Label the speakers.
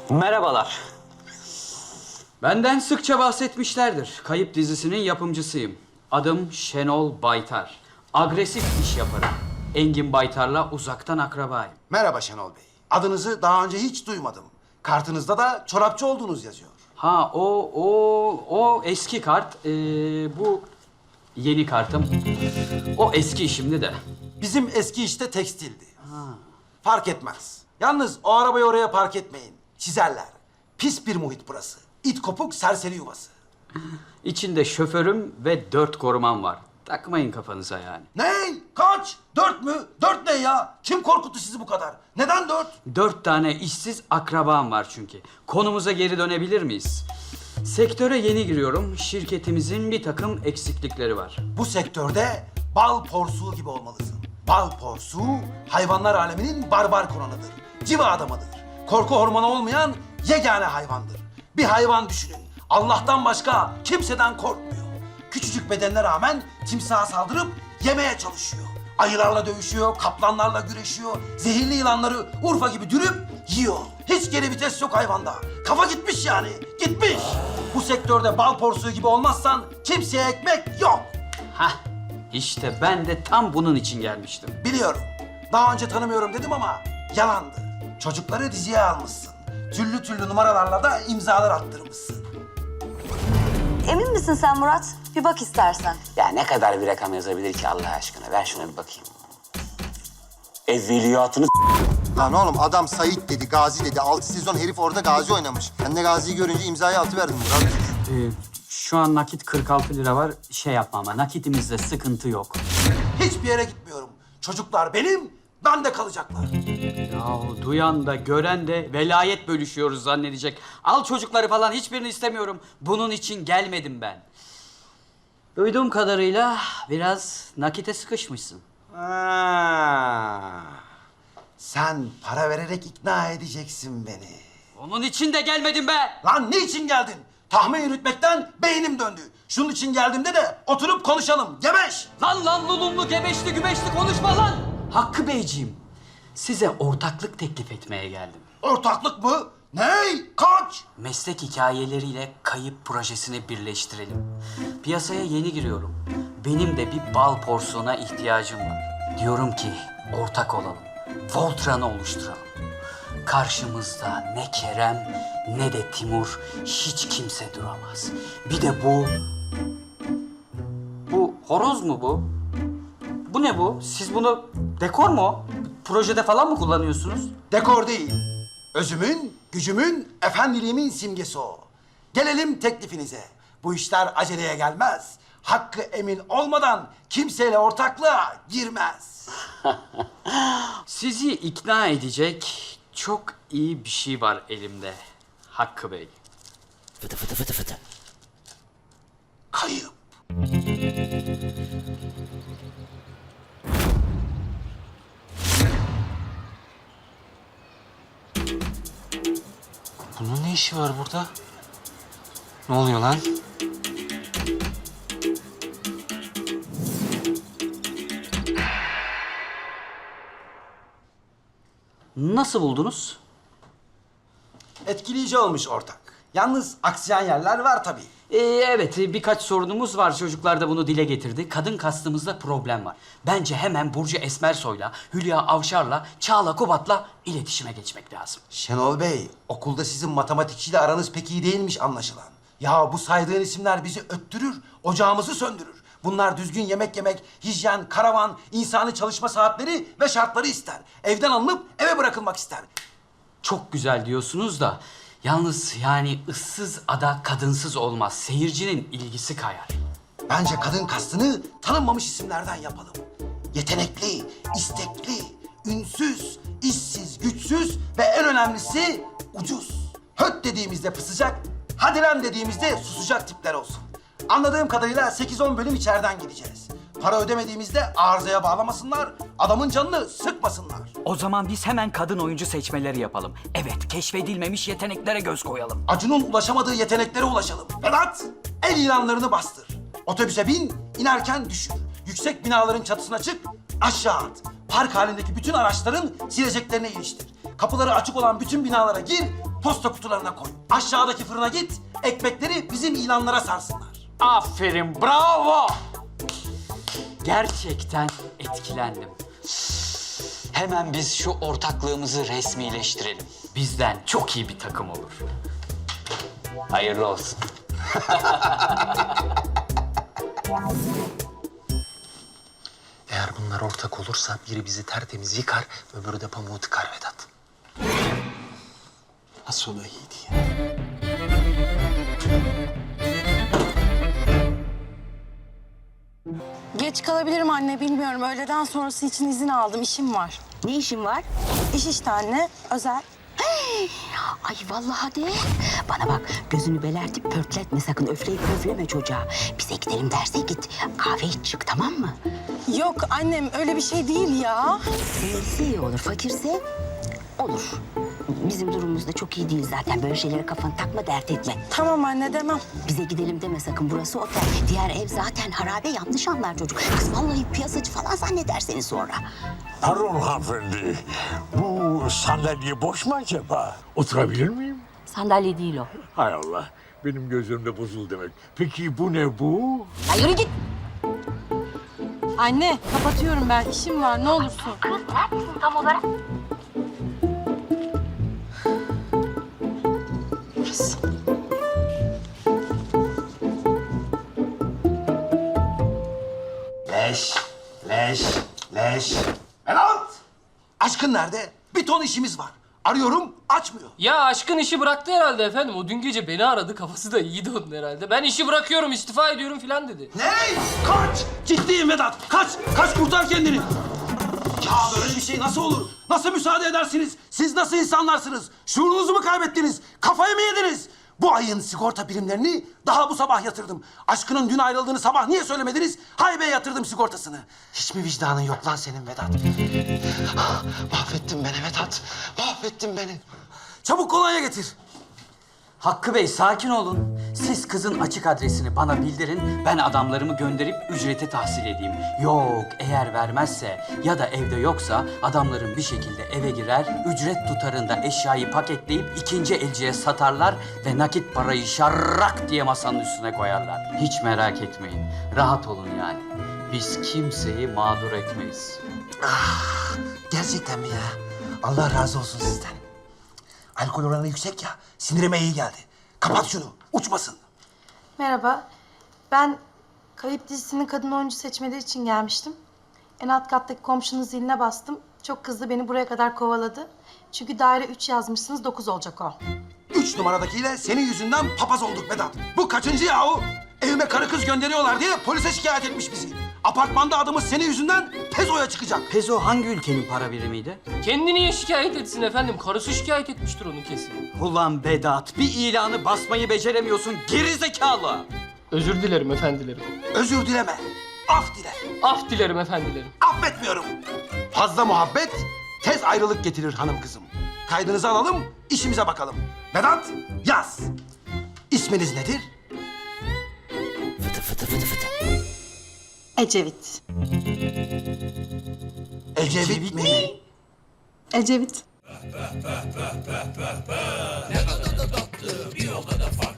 Speaker 1: Merhabalar. Benden sıkça bahsetmişlerdir. Kayıp dizisinin yapımcısıyım. Adım Şenol Baytar. Agresif iş yaparım. Engin Baytar'la uzaktan akrabayım.
Speaker 2: Merhaba Şenol Bey. Adınızı daha önce hiç duymadım. Kartınızda da çorapçı olduğunuz yazıyor.
Speaker 1: Ha o eski kart. Bu yeni kartım. O eski işimdi de.
Speaker 2: Bizim eski işte tekstildi. Fark etmez. Yalnız o arabayı oraya park etmeyin. Çizerler. Pis bir muhit burası. İt kopuk serseri yuvası.
Speaker 1: İçinde şoförüm ve 4 korumam var. Takmayın kafanıza yani.
Speaker 2: Ne? Kaç? 4 mü? 4 ne ya? Kim korkuttu sizi bu kadar? Neden 4?
Speaker 1: 4 tane işsiz akrabam var çünkü. Konumuza geri dönebilir miyiz? Sektöre yeni giriyorum. Şirketimizin bir takım eksiklikleri var.
Speaker 2: Bu sektörde bal porsuğu gibi olmalısın. Bal porsuğu hayvanlar aleminin barbar konanıdır. Civa adamıdır. Korku hormonu olmayan yegane hayvandır. Bir hayvan düşünün. Allah'tan başka kimseden korkmuyor. Küçücük bedenine rağmen timsaha saldırıp yemeye çalışıyor. Ayılarla dövüşüyor, kaplanlarla güreşiyor. Zehirli yılanları Urfa gibi dürüp yiyor. Hiç geri vites yok hayvanda. Kafa gitmiş yani, gitmiş. Bu sektörde bal porsuğu gibi olmazsan kimseye ekmek yok.
Speaker 1: Hah, işte ben de tam bunun için gelmiştim.
Speaker 2: Biliyorum. Daha önce tanımıyorum dedim ama yalandı. Çocukları diziye almışsın. Türlü türlü numaralarla da imzalar attırmışsın.
Speaker 3: Emin misin sen Murat? Bir bak istersen.
Speaker 4: Ya ne kadar bir rakam yazabilir ki Allah aşkına? Ver şuna bir bakayım. Evveliyatını
Speaker 5: Lan oğlum adam Sait dedi, Gazi dedi. 6 sezon herif orada Gazi oynamış. Ben de Gazi'yi görünce imzayı atıverdim Murat.
Speaker 1: Şu an nakit 46 lira var. Şey yapma ama nakitimizde sıkıntı yok.
Speaker 2: Hiçbir yere gitmiyorum. Çocuklar benim, ben de kalacaklar.
Speaker 1: Yahu duyan da gören de velayet bölüşüyoruz zannedecek. Al çocukları falan hiçbirini istemiyorum. Bunun için gelmedim ben. Duyduğum kadarıyla biraz nakite sıkışmışsın.
Speaker 2: Sen para vererek ikna edeceksin beni.
Speaker 1: Onun için de gelmedim be.
Speaker 2: Lan ne için geldin? Tahmin yürütmekten beynim döndü. Şunun için geldiğimde de oturup konuşalım. Gebeş!
Speaker 1: Lan lulumlu gebeşli gübeşli konuşma lan. Hakkı Beyciğim, size ortaklık teklif etmeye geldim.
Speaker 2: Ortaklık mı? Ney? Kaç?
Speaker 1: Meslek hikayeleriyle kayıp projesini birleştirelim. Piyasaya yeni giriyorum. Benim de bir bal porsuğuna ihtiyacım var. Diyorum ki ortak olalım. Voltran'ı oluşturalım. Karşımızda ne Kerem ne de Timur, hiç kimse duramaz. Bir de bu... Bu horoz mu bu? Bu ne bu? Siz bunu dekor mu? Projede falan mı kullanıyorsunuz?
Speaker 2: Dekor değil. Özümün, gücümün, efendiliğimin simgesi o. Gelelim teklifinize. Bu işler aceleye gelmez. Hakkı emin olmadan kimseyle ortaklığa girmez.
Speaker 1: Sizi ikna edecek çok iyi bir şey var elimde Hakkı Bey.
Speaker 2: Kayıp.
Speaker 6: Bunun ne işi var burada? Ne oluyor lan?
Speaker 1: Nasıl buldunuz?
Speaker 2: Etkileyici olmuş ortak. Yalnız aksayan yerler var tabii.
Speaker 1: Evet, birkaç sorunumuz var. Çocuklar da bunu dile getirdi. Kadın kastımızda problem var. Bence hemen Burcu Esmersoy'la, Hülya Avşar'la, Çağla Kubat'la iletişime geçmek lazım.
Speaker 2: Şenol Bey, okulda sizin matematikçiyle aranız pek iyi değilmiş anlaşılan. Ya bu saydığın isimler bizi öttürür, ocağımızı söndürür. Bunlar düzgün yemek yemek, hijyen, karavan, insani çalışma saatleri ve şartları ister. Evden alınıp eve bırakılmak ister.
Speaker 1: Çok güzel diyorsunuz da yalnız yani ıssız ada kadınsız olmaz. Seyircinin ilgisi kayar.
Speaker 2: Bence kadın kastını tanınmamış isimlerden yapalım. Yetenekli, istekli, ünsüz, işsiz, güçsüz ve en önemlisi ucuz. Höt dediğimizde pısacak, hadi lan dediğimizde susacak tipler olsun. Anladığım kadarıyla 8-10 bölüm içeriden gideceğiz. Para ödemediğimizde arızaya bağlamasınlar, adamın canını sıkmasınlar.
Speaker 1: O zaman biz hemen kadın oyuncu seçmeleri yapalım. Evet, keşfedilmemiş yeteneklere göz koyalım.
Speaker 2: Acun'un ulaşamadığı yeteneklere ulaşalım. Vedat, el ilanlarını bastır. Otobüse bin, inerken düşür. Yüksek binaların çatısına çık, aşağı at. Park halindeki bütün araçların sileceklerine iliştir. Kapıları açık olan bütün binalara gir, posta kutularına koy. Aşağıdaki fırına git, ekmekleri bizim ilanlara sarsınlar.
Speaker 1: Aferin, bravo! Gerçekten etkilendim. Hemen biz şu ortaklığımızı resmileştirelim. Bizden çok iyi bir takım olur. Hayırlı olsun.
Speaker 6: Eğer bunlar ortak olursa biri bizi tertemiz yıkar, öbürü de pamuğu tıkar Vedat. Nasıl oluyor iyiydi ya?
Speaker 7: Geç kalabilirim anne, bilmiyorum. Öğleden sonrası için izin aldım, işim var.
Speaker 8: Ne işin var?
Speaker 7: İş işte anne, özel.
Speaker 8: Ay vallahi de. Bana bak, gözünü belertip pörtletme sakın. Öfleyip pöfleme çocuğa. Bize gidelim derse git. Kahve iç çık, tamam mı?
Speaker 7: Yok annem, öyle bir şey değil ya.
Speaker 8: Zenginse iyi olur, fakirse olur. Bizim durumumuz da çok iyi değil zaten. Böyle şeylere kafanı takma, dert etme.
Speaker 7: Tamam anne, demem.
Speaker 8: Bize gidelim deme sakın, burası otel. Diğer ev zaten harabe, yanlış anlar çocuk. Kız vallahi piyasacı falan zanneder seni sonra.
Speaker 9: Pardon hanımefendi. Bu sandalye boş mu acaba? Oturabilir miyim?
Speaker 8: Sandalye değil o.
Speaker 9: Hay Allah. Benim gözlerimde bozuldu demek. Peki bu ne bu?
Speaker 8: Ay yürü git.
Speaker 7: Anne, kapatıyorum ben. İşim var, ne olursun.
Speaker 2: Leş. Vedat! Aşkın nerede? Bir ton işimiz var. Arıyorum, açmıyor.
Speaker 10: Ya aşkın işi bıraktı herhalde efendim. O dün gece beni aradı. Kafası da iyiydi onun herhalde. Ben işi bırakıyorum, istifa ediyorum falan dedi.
Speaker 2: Ne? Kaç! Ciddiyim Vedat. Kaç kurtar kendini. Ya böyle bir şey nasıl olur? Nasıl müsaade edersiniz? Siz nasıl insanlarsınız? Şuurunuzu mu kaybettiniz? Kafayı mı yediniz? Bu ayın sigorta primlerini daha bu sabah yatırdım. Aşkının dün ayrıldığını sabah niye söylemediniz? Haybeye yatırdım sigortasını. Hiç mi vicdanın yok lan senin Vedat? Mahvettin beni Vedat. Mahvettin beni. Çabuk kolonya getir.
Speaker 1: Hakkı Bey sakin olun. Siz kızın açık adresini bana bildirin. Ben adamlarımı gönderip ücreti tahsil edeyim. Yok eğer vermezse ya da evde yoksa adamlarım bir şekilde eve girer. Ücret tutarında eşyayı paketleyip ikinci elciye satarlar ve nakit parayı şarrak diye masanın üstüne koyarlar. Hiç merak etmeyin. Rahat olun yani. Biz kimseyi mağdur etmeyiz.
Speaker 2: Gerçekten mi ya? Allah razı olsun sizden. Alkol oranı yüksek ya, sinirime iyi geldi. Kapat şunu, uçmasın.
Speaker 11: Merhaba. Ben Kayıp dizisinin kadın oyuncu seçmeleri için gelmiştim. En alt kattaki komşunun ziline bastım. Çok kızdı, beni buraya kadar kovaladı. Çünkü daire 3 yazmışsınız, 9 olacak o.
Speaker 2: 3 numaradakiyle senin yüzünden papaz olduk Vedat. Bu kaçıncı yahu? Evime karı kız gönderiyorlar diye polise şikayet etmiş bizi. Apartmanda adımız senin yüzünden Pezo'ya çıkacak.
Speaker 1: Pezo hangi ülkenin para birimiydi?
Speaker 10: Kendi niye şikayet etsin efendim? Karısı şikayet etmiştir onu kesin.
Speaker 1: Ulan Vedat bir ilanı basmayı beceremiyorsun gerizekalı.
Speaker 10: Özür dilerim efendilerim.
Speaker 2: Özür dileme, af dile.
Speaker 10: Af dilerim efendilerim.
Speaker 2: Affetmiyorum. Fazla muhabbet tez ayrılık getirir hanım kızım. Kaydınızı alalım, işimize bakalım. Vedat, yaz. İsminiz nedir?
Speaker 8: Fıtı fıtı fıtı fıtı.
Speaker 11: Ecevit.
Speaker 2: Ecevit mi?
Speaker 11: Ecevit.